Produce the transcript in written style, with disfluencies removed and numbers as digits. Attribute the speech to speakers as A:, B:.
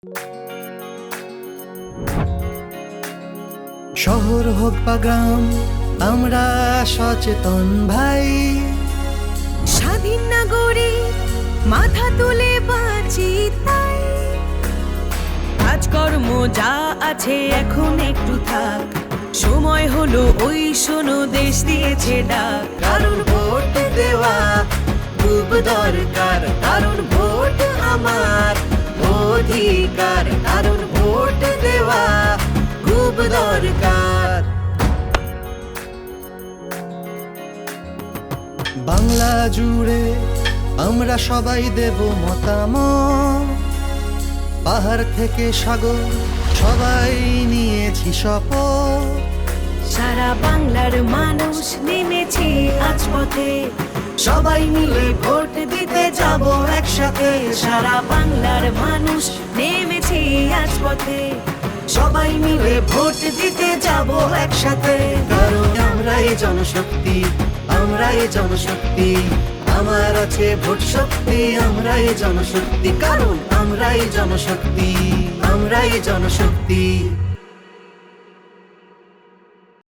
A: শহর হোক বা গ্রাম, আমরা সচেতন ভাই।
B: স্বাধীন নাগরিক মাথা তুলে বাঁচি তাই। কাজকর্ম যা আছে এখন একটু থাক, সময় হলো ওই শোনো দেশ দিয়েছে ডাক।
A: কারণ ভোট দেওয়া খুব দরকার, কারণ ভোট আমার অধিকার, কারণ ভোট দেওয়া খুব দরকার। বাংলা জুড়ে আমরা সবাই দেব মতামত, পাহাড় থেকে সাগর সবাই নিয়েছি শপথ।
B: সারা বাংলার মানুষ নেমেছে আজ পথে,
A: সবাই মিলে ভোট দিতে যাব একসাথে।
B: সারা বাংলার মানুষ নেমেছে আজ পথে,
A: সবাই মিলে ভোট দিতে যাব একসাথে। কারণ আমরাই জনশক্তি, আমরাই জনশক্তি, আমার আছে ভোট শক্তি। আমরাই জনশক্তি, কারণ আমরাই জনশক্তি, আমরাই জনশক্তি।